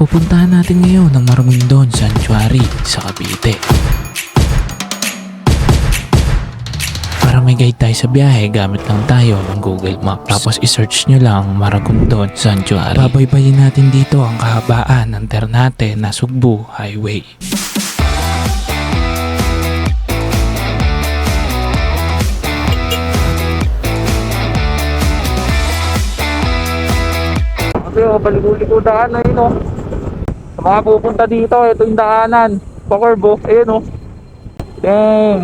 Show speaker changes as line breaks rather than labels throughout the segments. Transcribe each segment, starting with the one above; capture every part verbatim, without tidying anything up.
Pupuntahan natin ngayon ang Maragondon Sanctuary sa Cavite. Para may guide tayo sa biyahe, gamit lang tayo ng Google Maps. Tapos isearch nyo lang Maragondon Sanctuary. Babaybayin natin dito ang kahabaan ng Ternate na Sugbu Highway.
Kasi oh, baligo-ligo daan na yun oh. Sa mga pupunta dito, ito yung daanan. Pakurbo, ayun oh. Dang.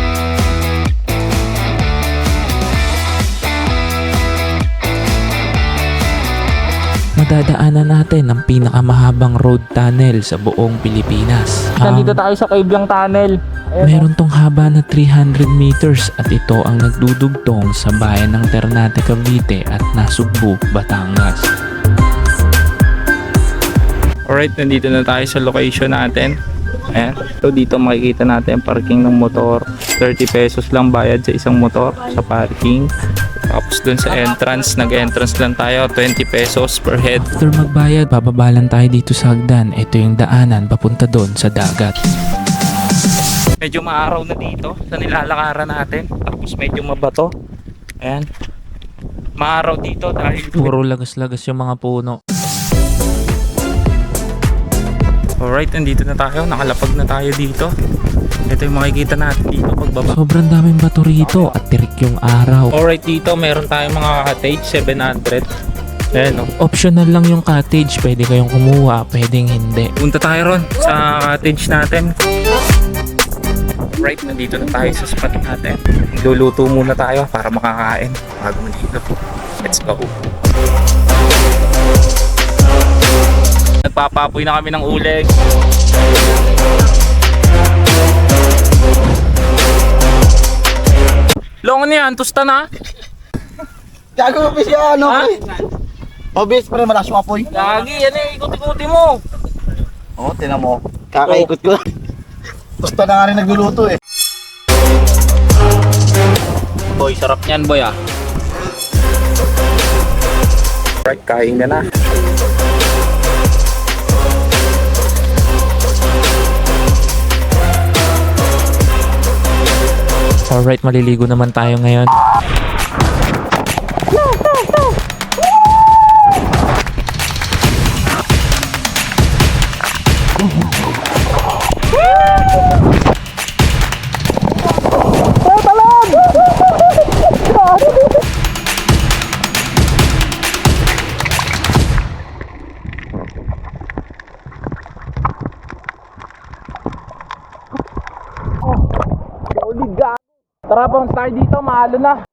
Madadaanan natin ang pinakamahabang road tunnel sa buong Pilipinas.
Nandito
Ang
tayo sa Cabyang Tunnel. Ayun,
meron tong haba na three hundred meters at ito ang nagdudugtong sa bayan ng Ternate, Cavite at Nasugbu, Batangas.
Alright, nandito na tayo sa location natin. Ayan. So dito makikita natin ang parking ng motor. thirty pesos lang bayad sa isang motor sa parking. Tapos dun sa entrance, nag-entrance lang tayo, twenty pesos per head.
After magbayad, bababalan tayo dito sa hagdan. Ito yung daanan papunta doon sa dagat.
Medyo maaraw na dito sa nilalakaran natin. Tapos medyo mabato. Ayan. Maaraw dito dahil
Puro lagas-lagas yung mga puno.
alright, nandito na tayo. Nakalapag na tayo dito. Ito yung makikita natin dito pagbaba.
Sobrang daming bato rito at tirik yung araw.
Alright, dito meron tayong mga cottage, seven hundred. Ayan o.
Optional lang yung cottage. Pwede kayong kumuha, pwedeng hindi.
Punta tayo ron sa cottage natin. Alright, nandito na tayo sa spot natin. Luluto muna tayo para makakain bago dito. Let's go. Nagpapapoy na kami ng uleg. Long ano yan? Tusta na?
Gago mo siya, ano?
Ha?
Obvious pa rin, malakas yung apoy.
Lagi, yan eh. Ikot-ikuti mo.
Oo, oh, tinan mo. Kakaikot ko. Gusto na nga rin nagluluto eh.
Boy, sarap niyan boy ah. Right, kain na na.
Alright, maliligo naman tayo ngayon.
Tara, bounce tayo dito, mahalo na.